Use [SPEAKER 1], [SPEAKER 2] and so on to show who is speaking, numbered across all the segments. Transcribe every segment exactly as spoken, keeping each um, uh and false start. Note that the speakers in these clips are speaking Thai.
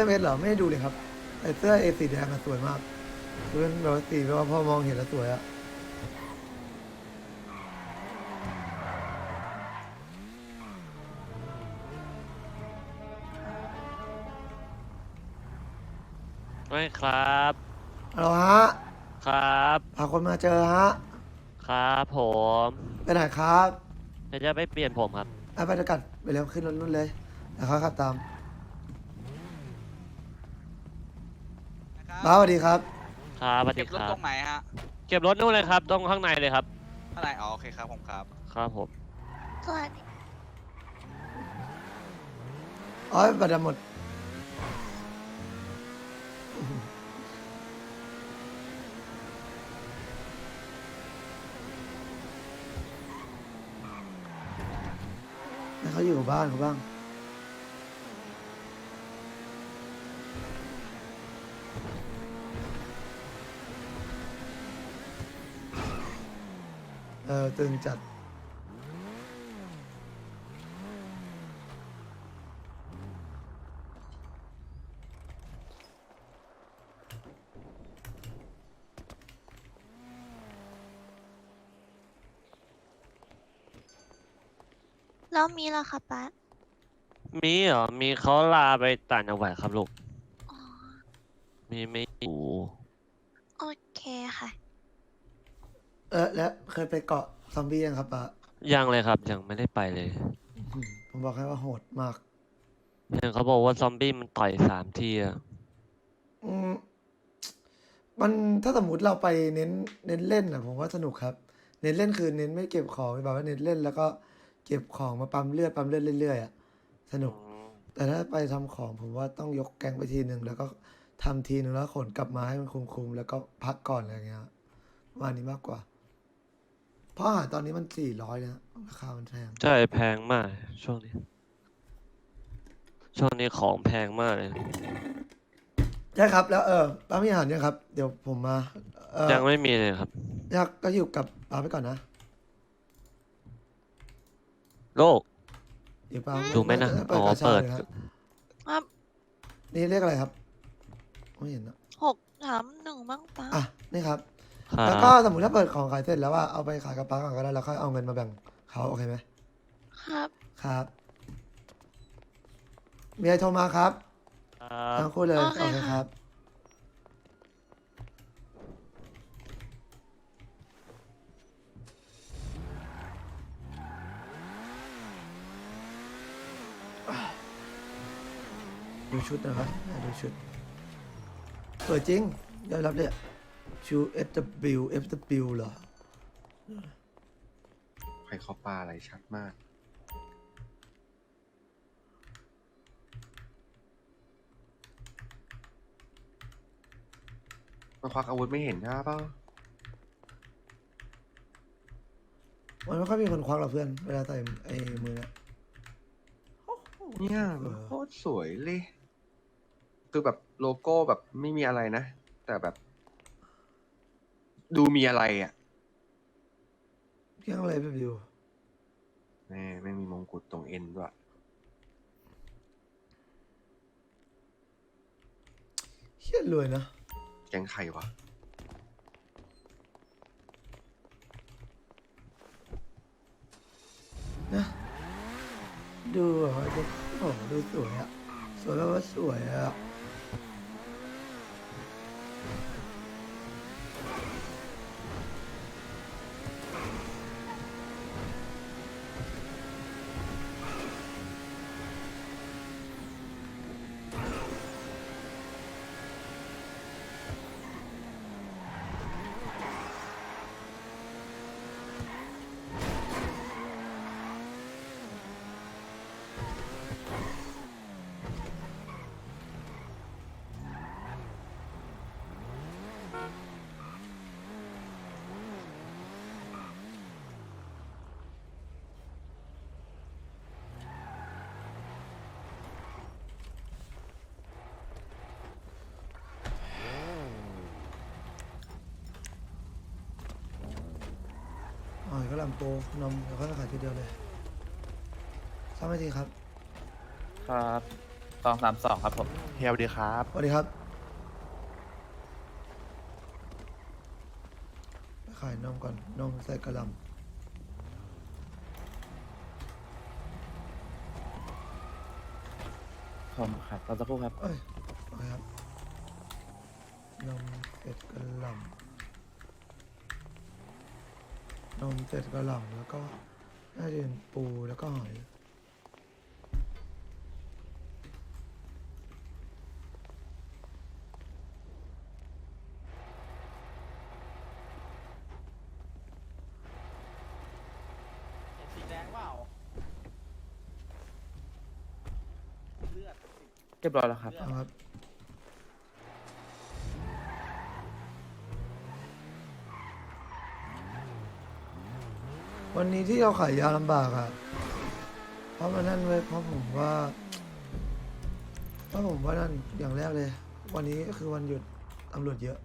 [SPEAKER 1] เมสเหรอไม่ได้ดูเลยครับไอเสื้อเอสีแดงอะสวยมากคือเป็นแบบว่าสีแบบว่าพอมองเห็นแล้วสวยอะ
[SPEAKER 2] ไม่ครับ
[SPEAKER 1] เอาฮะ
[SPEAKER 2] ครับ
[SPEAKER 1] พาคนมาเจอฮะ
[SPEAKER 2] ครับผม
[SPEAKER 1] ไปไหนครับ
[SPEAKER 2] จะจะไปเปลี่ยนผมครับ
[SPEAKER 1] อ่ะไปจะกัดไปเร็วขึ้นรถนู่นเลยเดี๋ยวเขาขับตาม
[SPEAKER 3] นะครับ
[SPEAKER 1] บ้าสวัสดีครับ
[SPEAKER 2] ครับสวัส
[SPEAKER 3] เก็บรถ
[SPEAKER 2] ดีครับ
[SPEAKER 3] ตรงไหนฮะ
[SPEAKER 2] เก็บรถนู่นเลยครับตรงข้างในเลยครับ
[SPEAKER 3] ข้างในอ๋อโอเคครับผมครับ
[SPEAKER 2] ครับผม
[SPEAKER 4] สวัสดี
[SPEAKER 1] อ๋อบัตรหมดให้เขาอยู่กับบ้านเขาบ้างเออตึงจัด
[SPEAKER 4] แล้วมีแล้วค่ะป้า
[SPEAKER 2] มีเหรอมีเขาลาไปต่างจังหวัดครับลูก
[SPEAKER 4] อ๋อ
[SPEAKER 2] มีไม่อยู่
[SPEAKER 4] โอเคค่ะ
[SPEAKER 1] เออแล้วเคยไปเกาะซอมบี้ยังครับป้า
[SPEAKER 2] ยังเลยครับยังไม่ได้ไปเลย
[SPEAKER 1] อืมผมบอกให้ว่าโหดมาก
[SPEAKER 2] เห็นเขาบอกว่าซอมบี้มันต่อยสามทีอะ
[SPEAKER 1] อืมมันถ้าสมมติเราไปเน้นเน้นเล่นอ่ะผมว่าสนุกครับ เน้นเล่นคือเน้นไม่เก็บของแบบว่าเน้นเล่นแล้วก็เก็บของมาปั๊มเลือดปั๊มเลือดเรื่อยๆอ่ะสนุ
[SPEAKER 2] อื
[SPEAKER 1] ก
[SPEAKER 2] ม
[SPEAKER 1] แต่ถ้าไปทำของผมว่าต้องยกแก๊งไปทีหนึ่งแล้วก็ทำทีหนึ่งแล้วขนกลับมาให้มันคุ้มๆแล้วก็พักก่อนอะไรเงี้ยประมาณนี้มากกว่า เพราะอาหารตอนนี้มันสี่ร้อยนะราคามันแพง
[SPEAKER 2] ใช่แพงมากช่วงนี้ช่วงนี้ของแพงมากเลย
[SPEAKER 1] ใช่ครับแล้วเออป้ามีอาหารยังครับเดี๋ยวผมมาเออ
[SPEAKER 2] ยังไม่มีเลยครับ
[SPEAKER 1] อยากก็อยู่กับป้าไปก่อนนะ
[SPEAKER 2] โลก
[SPEAKER 1] อยู่ป้า
[SPEAKER 2] ดูไหมนะ
[SPEAKER 1] เปิ
[SPEAKER 2] อ๋
[SPEAKER 1] ด
[SPEAKER 2] อ
[SPEAKER 1] กาชา
[SPEAKER 2] เปิด
[SPEAKER 1] เลยครับ
[SPEAKER 4] ครับ
[SPEAKER 1] นี่เรียกอะไรครับไม่เห็นนะ
[SPEAKER 4] หกถามหนึ่งบ้างป้า
[SPEAKER 1] อ่ะนี่ครับ
[SPEAKER 2] ครั
[SPEAKER 1] แล้วก็
[SPEAKER 2] บ
[SPEAKER 1] สมมติถ้าเปิดของขายเสร็จแล้วว่าเอาไปขายกับป้าก่อนก็ได้แล้วค่อยเอาเงินมาแบ่งเขาโอเคไหม
[SPEAKER 4] ครับ
[SPEAKER 1] ครับ มีอะไรโทรมาครับ
[SPEAKER 2] ครับ
[SPEAKER 1] ทั้งคู่เลย
[SPEAKER 4] โอ
[SPEAKER 1] โอ
[SPEAKER 4] เค
[SPEAKER 1] เค
[SPEAKER 4] ค่ะ
[SPEAKER 1] ครับดูชุดนะครับดูชุดสวยจริงยอมรับเลยชู เอฟ ดับเบิลยู เอฟ ดับเบิลยู เหรอ
[SPEAKER 5] ใครเขาปลาอะไรชัดมาก มาควักอาวุธไม่เห็นใช่ปะ
[SPEAKER 1] มันไม่ค่อยมีคนควักหรอกเพื่อนเวลาใส่ไอ้มือเนี่ย
[SPEAKER 5] เนี่ยมันโคตรสวยเลย คือแบบโลโก้แบบไม่มีอะไรนะ แต่แบบ ดูมีอะไรอ่ะ
[SPEAKER 1] เพียงอะไรแบบอยู่
[SPEAKER 5] แม่ไม่มีมงกุฎตรงเอ็นด้วย
[SPEAKER 1] เฮี้ยรวยนะ
[SPEAKER 5] แกงไข่วะ
[SPEAKER 1] นะดูแบบว่าจะโอ้โหดูสวยอะสวยแบบว่าสวยอะอ๋อก็ลำโปนมแล้วก็ขายทีเดียวเลยสามนาทีครับ
[SPEAKER 2] ครับ
[SPEAKER 6] สองสามสองครับผม
[SPEAKER 7] เฮียสวัสดีครับ
[SPEAKER 1] สวัสดีครับไปขายนมก่อนนมใส่กระหล
[SPEAKER 6] ผมครับรอสักครู่ครับ
[SPEAKER 1] ำเอ้ยโอเคครับนมเสร็จกระหลำนมเสร็จกระหลำแล้วก็น่าจะเป็นปูแล้วก็หอย
[SPEAKER 6] เรียบร้อยแล้วครับ
[SPEAKER 1] เอาครับวันนี้ที่เราขายยาลำบากอ่ะเพราะมันนั่นเว้ยเพราะผมว่าเพราะผมว่านั่นอย่างแรกเลย วันนี้ก็คือวันหยุดตำรวจเยอะ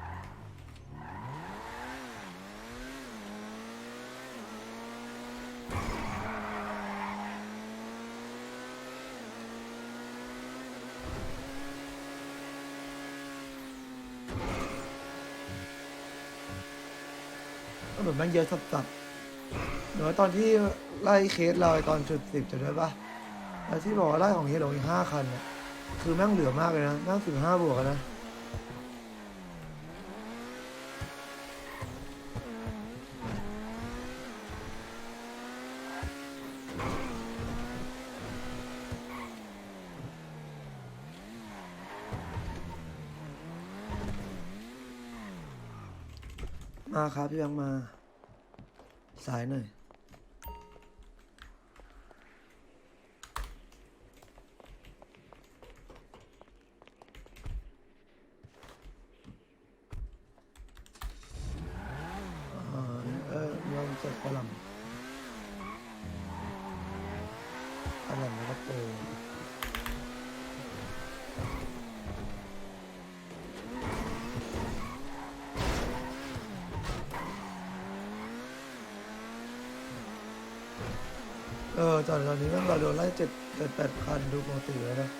[SPEAKER 1] ตำรวจแม่งเยอะสับๆเดี๋ยวตอนที่ไล่เคสเราไอ้ตอนจุดสิบจะได้ปะแล้วที่บอกว่าไล่ของเฮโร่อีกห้าคันเนี่ยคือแม่งเหลือมากเลยนะแม่งสิบห้าบวกอะนะมาครับพี่แบงค์มา สายหน่อยอ่าเออลองเสร็จกระหล่ำกระหล่ำแล้วก็ปูเออตอนตอนนี้แม่งเราโดนไล่เจ็ดเจ็ดแปดคันดูปกติแล้วนะ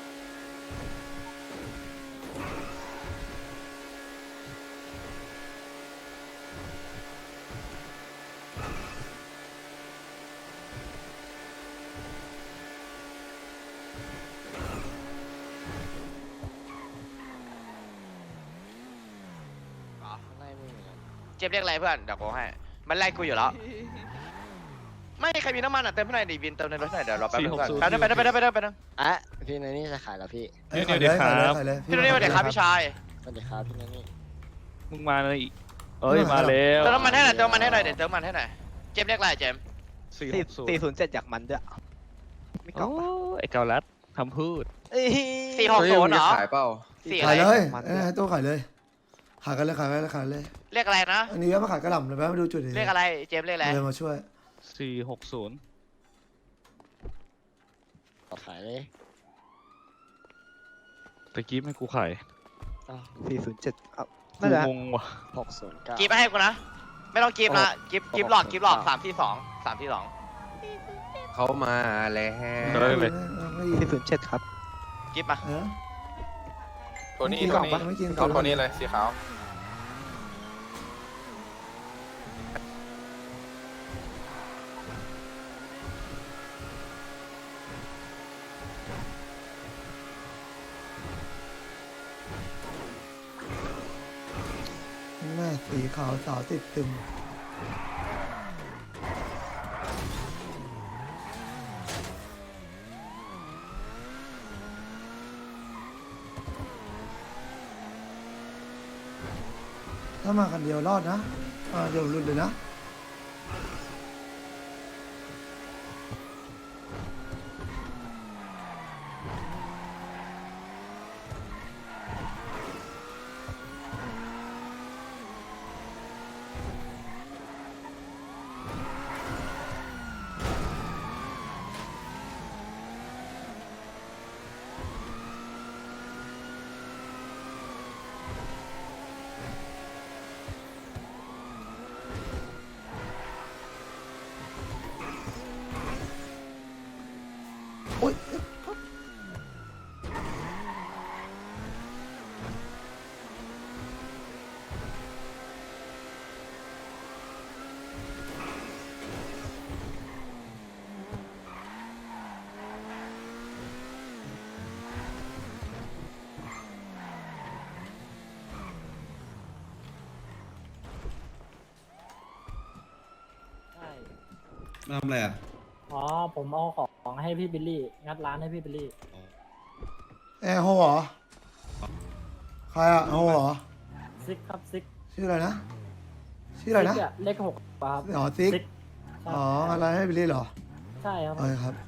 [SPEAKER 3] เจ็บเรียกอะไรเพื่อน เดี๋ยวกูให้ มันไล่กูอยู่แล้ว ไม่ใครมีน้ำมันอ่ะเติมให้หน่อยดิวินเติมในรถหน่อยเดี๋ยวรอแป๊บนึงเพื่อนไปนึงไปนึงไปนึงไปนึงไปนึง
[SPEAKER 8] อ่ะพี่นันนี่จะขายแล้วพี่
[SPEAKER 1] เอ้ยขายเลยขายเลยขายเลย
[SPEAKER 3] พี่โรนี่สวัสดีครับพี่ชาย
[SPEAKER 8] สวัสดีครับพี่นันนี่
[SPEAKER 2] มึงมาเลยอีกเอ้ยมาแล้ว
[SPEAKER 3] เติมน้ำมันให้หน่อยเติมน้ำมันให้หน่อยเดี๋ยวเติมน้ำมันให้หน่อยเจมส์เรียกอะไรเจมส์
[SPEAKER 7] สี่
[SPEAKER 8] สี่ศูนย์เจ็ดอยากมันด้วยไม่กล่
[SPEAKER 2] โอ้
[SPEAKER 8] องปะ
[SPEAKER 2] ไอ้เกาลัดคำพูด
[SPEAKER 8] เอ้ย
[SPEAKER 3] สี่หก
[SPEAKER 5] เฮ้ย
[SPEAKER 3] ศู
[SPEAKER 5] มึ
[SPEAKER 3] น
[SPEAKER 5] ง
[SPEAKER 3] ย์เหร
[SPEAKER 5] จะ
[SPEAKER 3] อ
[SPEAKER 5] ขายเปล่า
[SPEAKER 3] สี่อะ
[SPEAKER 1] ขาย
[SPEAKER 3] ไร
[SPEAKER 1] เลย
[SPEAKER 8] มัน
[SPEAKER 1] เอ้ยให้ตัวขายเลยขายกันเลยขายกันเลยขายเลย
[SPEAKER 3] เรียกอะไรนะ
[SPEAKER 1] อันนี้แม่มาขายกระหล่ำเลยแม่มาดูจุดดิ
[SPEAKER 3] เรียกอะไรเจมส์เรียกอะไร
[SPEAKER 1] เลยมาช่วย
[SPEAKER 2] สี่หกศูนย์
[SPEAKER 8] ขายเลย
[SPEAKER 2] ตะกี้ให้กูขาย
[SPEAKER 8] สี่ศูนย์เจ็ดเอ้า
[SPEAKER 2] กู
[SPEAKER 8] น่าจะ
[SPEAKER 2] งงว่ะ
[SPEAKER 8] หกศูนย์เก้า
[SPEAKER 3] กีบไปให้กูนะ ไม่ต้องกีบนะกีบกีบหลอดกีบหลอดสามที่สองสามที่สอง
[SPEAKER 5] เขามาแล้ว
[SPEAKER 2] เฮ้ย เลย
[SPEAKER 1] ไม่
[SPEAKER 8] สี่ศูนย์เจ็ดครับ
[SPEAKER 3] กีบมา
[SPEAKER 1] เออ
[SPEAKER 7] ตัวนี้
[SPEAKER 1] ไม่กิน
[SPEAKER 7] ตัว
[SPEAKER 1] กล่อง
[SPEAKER 7] นี้
[SPEAKER 1] ปะไม่กินกล่
[SPEAKER 7] เอา
[SPEAKER 1] อง
[SPEAKER 7] ตัวนี้เลยสีขาว
[SPEAKER 1] แม่สีขาวสาวติดตึมถ้ามาคันเดียวรอดนะอ่าเดี๋ยวหลุดเลยนะ
[SPEAKER 9] มาทำอะไรอ่ะ
[SPEAKER 6] อ๋อ ผมเอาของให้พี่บิลลี่ งัดร้านให้พี่บิลลี่
[SPEAKER 1] แอร์โฮเหรอ ใครอะโฮเหรอ
[SPEAKER 6] ซิกครับซิก
[SPEAKER 1] ชื่ออะไรนะ ชื่ออะไรนะ
[SPEAKER 6] ซิกเลขหกครับ
[SPEAKER 1] อ๋อซิก
[SPEAKER 6] ซิก
[SPEAKER 1] อ๋ออะไรให้บิลลี่เหรอ
[SPEAKER 6] ใช่ครับ
[SPEAKER 1] โอเคครับ